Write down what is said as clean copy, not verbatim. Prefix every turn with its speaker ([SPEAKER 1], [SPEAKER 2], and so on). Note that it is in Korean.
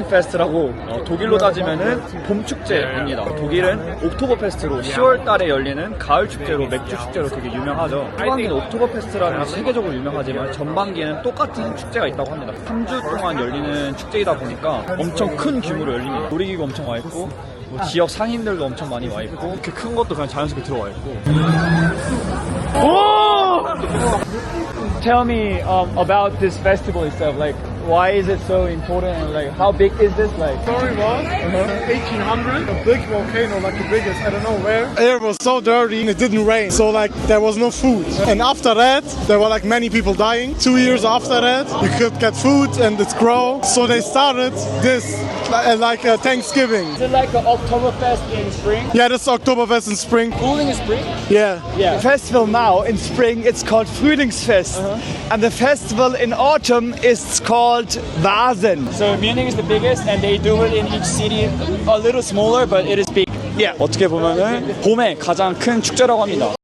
[SPEAKER 1] 프루딩페스트라고 독일로 따지면은 봄 축제입니다. 독일은 옥토버페스트로 10월 달에 열리는 가을 축제로 맥주 축제로 되게 유명하죠. 후반기는 옥토버페스트라는 세계적으로 유명하지만 전반기에는 똑같은 축제가 있다고 합니다. 3주 동안 열리는 축제이다 보니까 엄청 큰 규모로 열립니다. 놀이기구 엄청 와 있고 뭐 지역 상인들도 엄청 많이 와 있고 이렇게 큰 것도 그냥 자연스럽게 들어와 있고. Tell me about this festival itself. Like, why is it so important? And like, how big is this? Like,
[SPEAKER 2] Story was 1800, a big volcano, like the biggest, I don't know where. Air was so dirty and it didn't rain, so like there was no food. And after that, there were like many people dying. 2 years after that, you could get food and it grow. So they started this like a Thanksgiving.
[SPEAKER 1] is it like an Oktoberfest in spring?
[SPEAKER 2] Yeah, this is Oktoberfest in spring.
[SPEAKER 1] Cooling in spring?
[SPEAKER 2] Yeah.
[SPEAKER 1] Yeah.
[SPEAKER 3] Festival now in spring, it's called Frühlingsfest. And the festival in autumn is called Vasen.
[SPEAKER 1] So Munich is the biggest, and they do it in each city a little smaller, but it is big.
[SPEAKER 3] Yeah.
[SPEAKER 1] 어떻게 보면은 봄에 가장 큰 축제라고 합니다.